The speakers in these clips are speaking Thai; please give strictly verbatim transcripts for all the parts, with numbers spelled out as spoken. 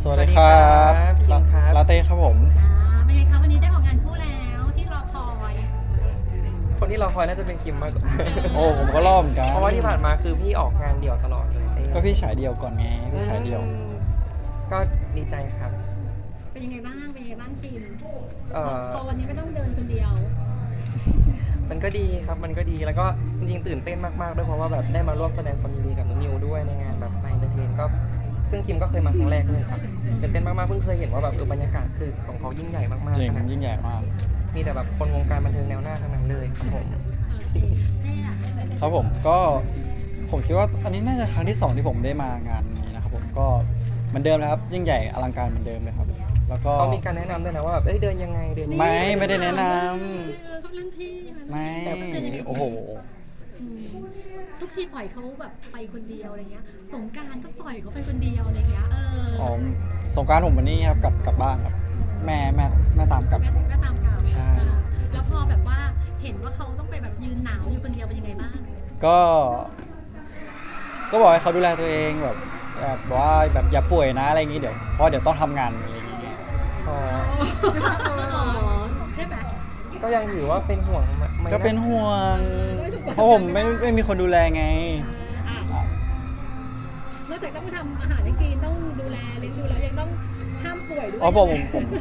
สวัสดีครับคิมครับลาเต้ครับผมอ่าเป็นไงคะวันนี้ได้ออกงานคู่แล้วที่รอคอยคนที่เราคอยน่าจะเป็นคิมมากกว่าโอ้ผมก็รอบเหมือนกันเพราะว่าที่ผ่านมาคือพี่ออกงานเดี่ยวตลอดเลยเต้ก็พี่ฉายเดียวก่อนไงพี่ฉายเดียวอืมก็ดีใจครับเป็นยังไงบ้างเป็นยังไงบ้างคิมเอ่อพอวันนี้ไม่ต้องเดินคนเดียวมันก็ดีครับมันก็ดีแล้วก็จริงๆตื่นเต้นมากๆด้วยเพราะว่าแบบได้มาร่วมแสดงความยินดีกับน้องนิวด้วยในงานแบบไนน์เตอร์เทนก็ซึ่งคิมก็เคยมาครั้งแรกเลยครับตื่นเต้นมากๆเพิ่งเคยเห็นว่าแบบเออบรรยากาศคือของเขายิ่งใหญ่มากๆจริงขนาดยิ่งใหญ่มากมีแต่แบบคนวงการบันเทิงแนวหน้าทั้งนั้นเลยครับผมโอเคเต้อะครับผมก็ผมคิดว่าอันนี้น่าจะครั้งที่สองที่ผมได้มางานนี้นะครับผมก็เหมือนเดิมนะครับยิ่งใหญ่อลังการเหมือนเดิมเลยครับ แล้วก็เขามีการแนะนำด้วยนะว่าแบบเอ้ยเดินยังไงเดินยังไงไม่ไม่ได้แนะนเออเขาเรื่องที่มันำไม่โอ้โหอืมทุกทีปล่อยเขาแบบไปคนเดียวอะไรเงี้ยสงกรานต์ก็ปล่อยเขาไปคนเดียวอะไรเงี้ยเอออ๋อสงกรานต์ผมวันนี้ครับกลับกลับบ้านครับ แม่แม่แม่ตามกลับแม่แม่ตามข่าวใช่เออแล้วพอแบบว่าเห็นว่าเขาต้องไปแบบยืนหนาวอยู่คนเดียวเป็นยังไงบ้างก็ ก็บอกให้เขาดูแลตัวเองแบบแบบว่าแบบอย่าป่วยนะอะไรอย่างงี้เดี๋ยวเพราะเดี๋ยวต้องทำงานอะไรอย่างงี้อ๋ออ๋อใช่ไหมก็ยังถือว่าเป็นห่วงไหมก็เป็นนะห่วงก็ไม่ถูกกฎเพราะผมไม่ไม่มีคนดูแลไงเอออ่ะนอกจากต้องทำอาหารให้กินต้องดูแลเลี้ยงดูแล้วยังต้องห้ามป่วยด้วยอ๋อผมผมผม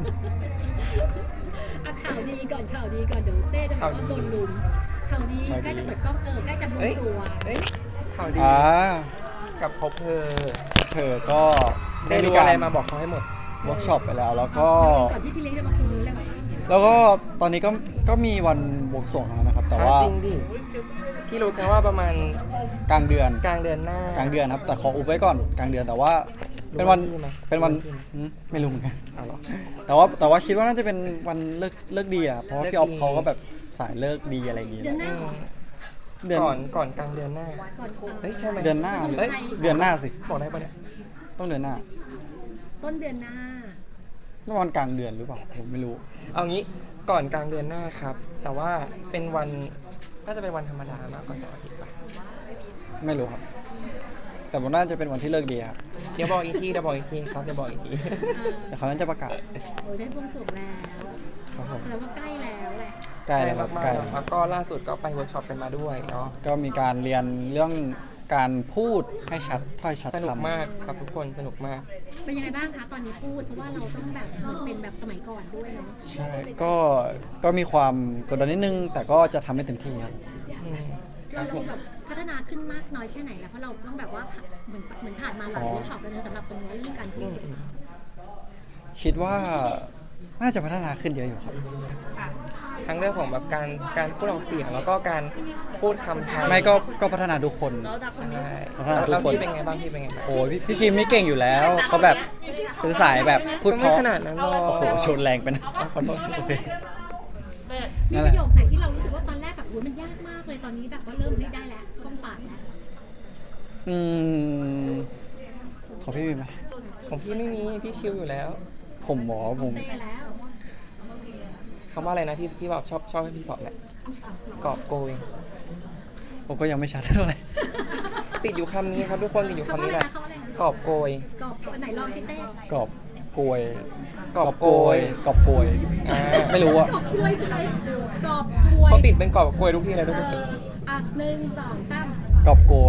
อ่ะข่าวดีก่อนข่าวดีก่อนเดี๋ยวเต้จะบอกว่าโดนลุมข่าวดีใกล้จะเปิดกล้องเออใกล้จะบวงสรวงเอ้ยข่าวดีอ่ากับพบเธอเธอก็ได้ได้มีรู้กาอะไรรมาบอกเขาให้หมดเวิร์กช็อปไปแล้ว แล้วก็ก่อนที่พี่เลี้ยงจะมาคุมเลยไหมแล้วก็ตอนนี้ก็ก็มีวันบวงสรวงแล้วนะครับ แต่ว่าจริงดิพี่รู้แค่ว่าประมาณกลางเดือนกลางเดือนหน้ากลางเดือนครับ แต่ขออุบไว้ก่อนกลางเดือนแต่ว่าเป็นวันรู้ที่ไหมเป็นวันรู้ที่ไหมหืมไม่รู้เหมือนกันเอาเหรอแต่ว่าแต่ว่าคิดว่าน่าจะเป็นวันเลิกเลิกดีอะครับเพราะว่าเลิกพี่ออฟดีเขาก็แบบสายเลิกดีอะไรอย่างงี้เดือนหน้าอืเหรอมเดือนก่อนก่อนกลางเดือนหน้าก่อนเฮ้ยใช่ไหมเดือนหน้าไม่เอ้ยใช่เดือนหน้าสิบอกได้ปะเนี่ยต้องเดือนหน้าต้นเดือนหน้าต้องวันกลางเดือนหรือเปล่าผมไม่รู้เอางี้ก่อนกลางเดือนหน้าครับ แต่ว่าเป็นวันน่าจะเป็นวันธรรมดามากกว่าเสาร์อาทิตย์ปะไม่รู้ครับ แต่มันน่าจะเป็นวันที่เลิกดีครับเดี๋ยวบอกอีกทีเดี๋ยวบอกอีกทีครับเดี๋ยวบอกอีกทีเออแต่เขาน่าจะประกาศโอ้ยได้บวงสรวงแล้วครับผมแสดงว่าใกล้แล้วแหละใกล้แล้วครับมากใกล้ๆแล้แล้ว วก็ล่าสุดก็ไปเวิร์กช็อปกันมาด้วยเนาะก็มีการเรียนเรื่องการพูดให้ชัดถ้อยชัดสนุกคำมากครับทุกคนสนุกมากเป็นยังไงบ้างคะตอนนี้พูดเพราะว่าเราต้องแบบมันเป็นแบบสมัยก่อนด้วยเนาะใช่ก็ก็มีความกดดันนิดนึง แต่ก็จะทำให้เต็มที่ครับอืมเราเราแบบพัฒนาขึ้นมากน้อยแค่ไหนแล้วเพราะเราต้องแบบว่าเหมือนเหมือนผ่านมาหลายเวิร์กช็อปแล้วนะสำหรับตรงนี้เรื่องการพูอืดมอืมคิดว่าน่าจะพัฒนาขึ้นเยอะอยู่ครับทั้งเรื่องของแบบการการพูดออกเสียงแล้วก็การพูดคำไทยไม่ก็ก็พัฒนาทุกคนใช่พัฒนาทุกแล้วคนพี่เป็นไงบ้างพี่เป็นไงบ้างโอ้ยพี่พี่ชิมนี่เก่งอยู่แล้ว เขาแบบเป็นสายแบบพูดก็เพไม่ราะขนาดนั้นหรอกโอ้โหชนแรงไปนะอ่ะขอโทษโอเคมีนั่นปแหละระโยคไหนที่เรารู้สึกว่าตอนแรกแบบอุ้ยมันยากมากเลยตอนนี้แบบว่าเริ่มไม่ได้แล้วคล่องปากแล้วอืมขอพี่มีไหมของพี่ไม่มีพี่ชิลอยู่แล้วผมหมอผมเต้แล้วคำว่าอะไรนะที่ที่บอกชอบชอบให้พี่สอนแหละกอบโกยผมก็ยังไม่ชัดเท่าไหร่ติดอยู่คำนี้ครับทุกคนติดอยู่เขาคำว่านี้อะไรแหละนะเขาว่าอะไรนะกอบโกยกรอบไหนลองสิเต้กรอบกลวยกอบโกยกรอบกลวยอ่าไม่รู้อะกรอบกล้วยคืออะไรกรอบกล้วยเขาติดเป็นกอบโกยทุกที่เลยทุกเอคนออ่ะหนึ่งสองสามกรอบกลวย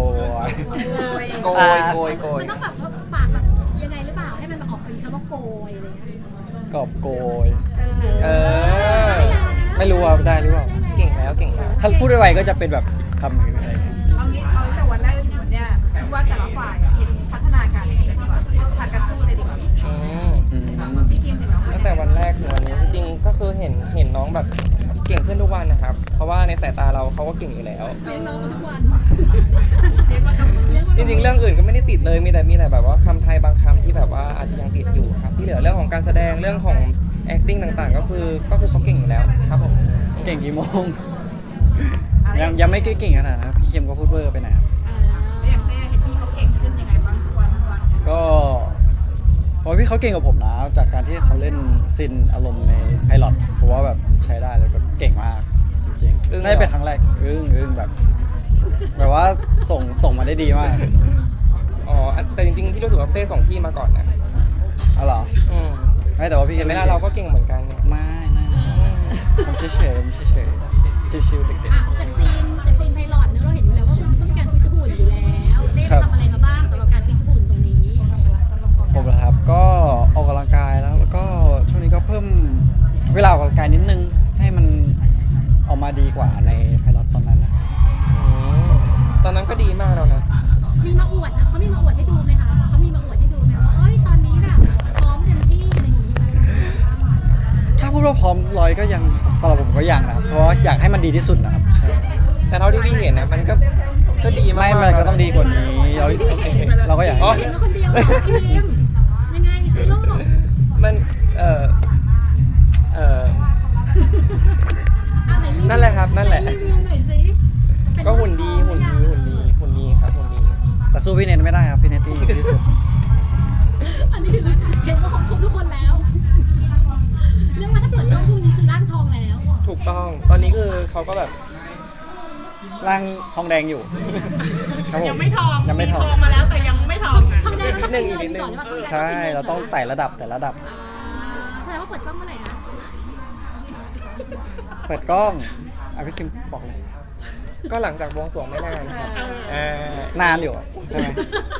โกยโกยโกยมันต้องแบบว่าปากแบบยังไงหรือเปล่าให้มันแบบออกเป็นคำว่าโกยอะไรเงี้ยกรอบกลวยเออได้แล้วไม่รู้ว่าได้หรือเปล่าเก่งแล้วเก่งแล้วถ้าพูดไวๆก็จะเป็นแบบคำอะไรอย่างเงี้ยเอางี้เอาตั้งแต่วันแรกจนถึงวันเนี้ยคิดว่าแต่ละฝ่ายเห็นพัฒนาการยังไงกันดีกว่าผ่านการพูดเลยดีกว่าอืมอืมพี่กิมเห็นน้องว่าตั้งแต่วันแรกถึงวันนี้จริงๆก็คือเห็นเห็นน้องแบบเก่งขึ้นทุกวันนะครับ เพราะว่าในสายตาเราเขาก็เก่งอยู่แล้วเลี้ยงน้องมาทุกวันเรียกว่ากับมือเลี้ยงมาจริงๆ เรื่องอื่นก็ไม่ได้ติดเลยมีแต่มีแต่แบบว่าคำไทยบางคำที่แบบว่าอาจจะยังติดอยู่ครับที่เหลือเรื่องของการแสดงเรื่องของ acting ต่างๆ ก็คือก็คือเขาเก่งอยู่แล้วครับผมเก่งกี่โมงอะไรยังยังไม่เก่งขนาดนั้นครับพี่เค็มก็พูดเวอร์ไปหน่อยครับอ่าแล้วอย่างเต้เห็นพี่เขาเก่งขึ้นยังไงบ้างทุกวันทุกวันก็เพราะพี่เขาเก่งกว่าผมนะ จากการที่เขาเล่นซินอารมณ์ในไพลอตผมว่าแบบใช้ได้เลยแบบเก่งมากจริงอึ้งๆน่าจะเป็นครั้งแรกอึ้งอึ้งแบบ แบบว่าส่งส่งมาได้ดีมากอ๋อแต่จริงๆ พี่รู้สึกว่าเต้ส่งพี่มาก่อนนะอ๋อเหรออืมไม่แต่ว่าพี่เห็ก็นไหมเล่นล่ะเก่เรางก็เก่งเหมือนกันเนี่ยไม่ไม่ไม่ผมเฉยเฉยๆผมเฉยเฉยๆชิวๆเด็กอ่ะจากซีนจากซีนไพลอตเนอะเราเห็นอยู่แล้วว่าคุณต้องมีการฟิตหุ่นอยู่แล้วได้ครับทำอะไรมาบ้างสำหรับการฟิตหุ่นตรงนี้ๆผมเหรอครับก็ออกกำลังกายแล้วแล้วก็ช่วงนี้ก็เพิ่มเวลาออกกำลังกายนิดนึงให้มันออกมาดีกว่าในไพลอตตอนนั้นนะอืมตอนนั้นก็ดีมากแล้วนะมีมาอวดนะเขามีมาอวดให้ดูไหมคะเขามีมาอวดให้ดูไหมว่าเอ้ยตอนนี้แบบพร้อมเต็มที่อะไรอย่างนี้ไหมถ้าพูดว่าพร้อมร้อยก็ยังสำหรับผมก็ยังนะครับเพราะว่าอยากให้มันดีที่สุดนะครับใช่แต่เท่าที่พี่เห็นนะมันก็ก็ดีมากไม่ๆมันก็ต้องดีกว่านี้เราที่เห็นเราก็อยากอ๋อให้เห็นก็คนเดียวเหรอคิมยังไงซิโลกมันเออเอออ่ะไหนรีวิวนั่นแหละครับนั่นแหละไรีวิวหน่อยสิเป็นก็หุ่นดีหุ่นดีหุ่นดีหุ่นดีครับหุ่นดีแต่สู้พี่เนทไม่ได้ครับพี่เนทที่ดีที่สุดอันนี้คือเห็นว่าของครบทุกคนแล้ว เรื่องว่าถ้าเปิดกล้องพรุ่งนี้คือร่างทองแล้วถูกต้องตอนนี้คือเขาก็แบบร่างทองแดงอยู่ครับผมยังไม่ทองยังไม่ทองทองมาแล้วแต่ยังไม่ทองนะทำได้ก็ต้องเป็นเงินก่อนหรือเปล่าทำได้ใช่เราต้องไต่ระดับแต่ระดับอ่าแสดงว่าเปิดกล้องเมื่อไหร่นะเปิดกล้องอ่ะพี่คิมบอกเลยก็หลังจากบวงสรวงไม่นานครับอ่านานอยู่อะใช่ไหม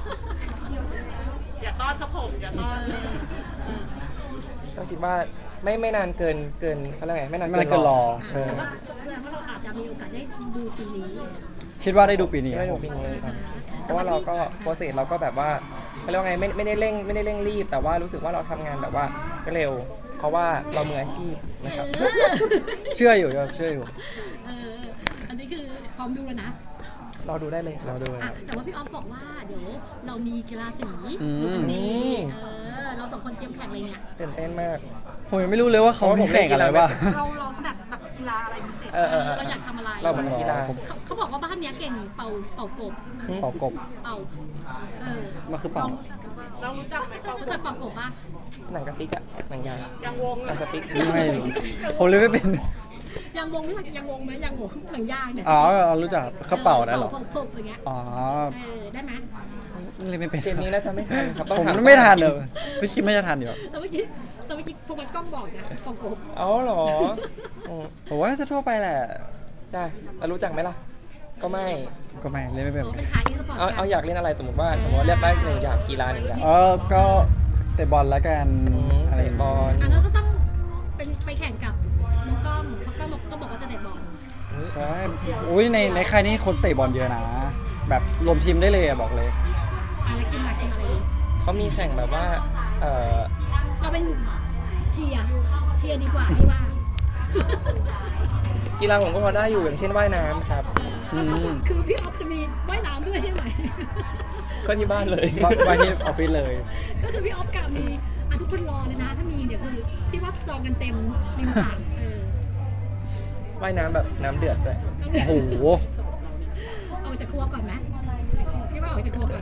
อย่าต้อนครับผมอย่าต้อนก็คิดว่าไม่ไม่นานเกินเกินเขาเรียกไงไม่นานไม่นานเกินรอใช่แต่ว่าแสดงว่าเราอาจจะมีโอกาสได้ดูปีนี้คิดว่าได้ดูปีนี้ไม่คได้รับดูผมปีนี้ครับเพราะว่าเราก็โปรเซสเราก็แบบว่าเขาเรียกว่าไงไม่ไม่ได้เร่งไม่ได้เร่งรีบ แต่ว่ารู้สึกว่าเราทำงานแบบว่าเร็ว เพราะว่าเรามืออาชีพนะครับเออเชื่ออยู่ครับเชื่ออยู่เอออันนี้คือพร้อมดูแล้วนะรอดูได้เลยครัเราบดูอ่ะครับแต่ว่าพี่ออฟบอกว่าเดี๋ยวเรามีกีฬาสีอืมดูวันนี้เออเราสองคนเตรียมแข่งอะไรเนี่ยตื่นเต้นมากผมยังไม่รู้เลยว่าเขามีแข่งอะไรบ้างเราเราถนัดแบบกีฬาอะไรพิเศษเออเออเออเราอยากทำอะไรเราเหมือนกีฬาผมเขาเขาบอกว่าบ้านเนี้ยเก่งเป่าเป่ากบเป่ากบเป่าเออมันคือเป่าเรารู้จักไหมเขารู้จักเป่ากบปะหนังกระติกอะหนังยางยังวงหนังสติ๊กไม่รู้ผมเลยไม่เป็นยังวงรู้จักยังวงไหมยังวงหนังยางเนี่ยอ๋อเรารู้จักเขาเป่าได้เหรอเป่าพบๆอย่างเงี้ยอ๋อเออได้ไหมเล่นไม่เป็นเกมนี้น่าจะไม่ทันครับต้องผมถาไม่ทันเลยพี่คิมไม่จะทันอยู่แต่เมื่อกี้แต่เมื่อกี้โทมัสกล้องบอกนะเป่ากบเอาเหรออืมผมว่าจะทั่วไปแหละจ้าเรารู้จักไหมล่ะ ก็ไม่ก็ไม่เล่นไม่เป็นอ๋อเป็นขายอีสปอร์ตเอากันเอาอยากเล่นอะไรสมมติว่าสมมติว่าเลือกได้หนึ่งอย่างกีฬาหนึ่งอย่างเออก็เตะบอลแล้วกันอืมอะไรเตะบอลอ่ะแล้วก็ต้องเป็นไปแข่งกับน้องกล้องเพราะกล้องบอกก็บอกว่าจะเตะบอลใช่อุ้ยในในค่ายนี้คนเตะบอลเยอะนะ แบบรวมทีมได้เลยอะบอกเลยอะไรคิมอะไรคิมอะไรดีเขามีแข่งแบบว่า เออเราเป็นเชียร์เชียร์ดีกว่าที่ว่ากีฬาผมก็พอได้อยู่อย่างเช่นว่ายน้ำครับเออแล้วเขาจะคือพี่ออฟจะมีว่ายน้ำด้วยใช่ไหมก็ที่บ้านเลยไปที่ออฟฟิศเลยก็คือพี่ออฟกับมีอ่ะทุกคนรอเลยนะ ถ้ามีเดี๋ยวคือที่ว่าจองกันเต็มริมสระเออว่ายน้ำแบบน้ำเดือดด้วยโอ้โหออกจากครัวก่อนไหมพี่ว่าออกจากครัวก่อน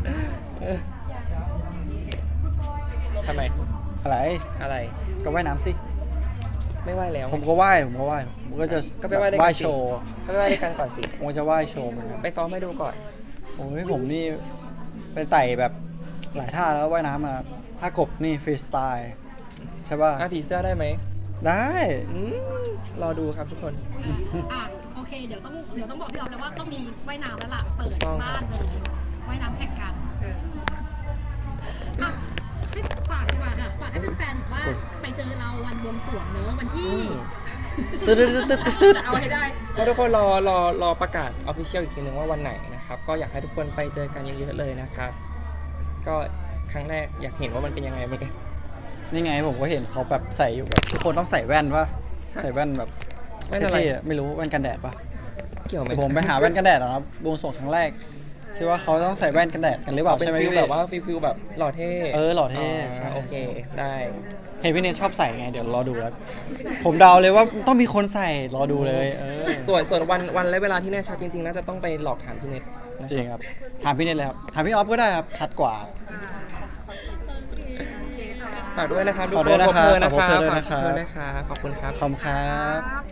ทำไมอะไรอะไรก็ว่ายน้ำสิไม่ว่ายแล้วผมก็ว่ายผมก็ว่ายผมก็จะก็ไปว่ายด้วยว่ากัยนสิโชว์ก็ไปว่ายด้วยกันก่อนสิผมก็จะว่ายโชว์เหมือนกันไปซ้อมให้ดูก่อนโอ้ยผมนี่ไปไต่แบบหลายท่าแล้วว่ายน้ำมาท่ากบนี่ฟรีสไตล์ใช่ป่ะอ่ะผีเสื้อได้ไหมได้อืมรอดูครับทุกคนอ่ะโอเคเดี๋ยวต้องเดี๋ยวต้องบอกพี่ออฟแล้วว่าต้องมีว่ายน้ำแล้วล่ะเปิดถูกต้องบ้านเลยว่ายน้ำแข่งกันเอออ่ะให้ฝากดีกว่าค่ะฝากให้แฟนๆบอกว่าไปเจอเราวันบวงสรวงเนอะวันที่อืมตึ๊ดตึ๊ดตึ๊ดตึ๊ดตึ๊ดเอาให้ได้ก็ทุกคนรอรอรอประกาศออฟฟิเชียลอีกทีนึงว่าวันไหนนะครับ ก็อยากให้ทุกคนไปเจอกันเยอะๆเลยนะครับ ก็ครั้งแรกอยากเห็นว่ามันเป็นยังไงเหมือนกันนี่ไงผมก็เห็นเขาแบบใส่อยู่แบบทุกคนต้องใส่แว่นป่ะใส่แว่นแบบแว่นอะไรเท่ๆอะไม่รู้แว่นกันแดดป่ะเกี่ยวไหมเดี๋ยวผมไปหาแว่นกันแดดก่อนครับบวงสรวงครั้งแรกคิดว่าเขาต้องใส่แว่นกันแดดกันหรือเปล่าเป็นใช่ไหมฟิลพี่แบบว่าฟิลฟิลแบบหล่อเท่เออหล่อเท่ใช่โอเคได้เห็นพี่เนทชอบใส่ไงเดี๋ยวรอดูแล้ว ผมเดาเลยว่าต้องมีคนใส่รอดูเลยเออส่วนส่วนวันวันและเวลาที่แน่ชัดจริงๆน่าจะต้องไปหลอกถามพี่เน็ตนะจริงครับถามพี่เนทเลยครับถามพี่ออฟก็ได้ครับชัดกว่าฝากด้วยนะครับทุกฝากคด้วยนนะครับขอบคุณนะคฝากรับด้วยนะครับฝากด้วยนะครับขอบคุณครับขอบคุณครับ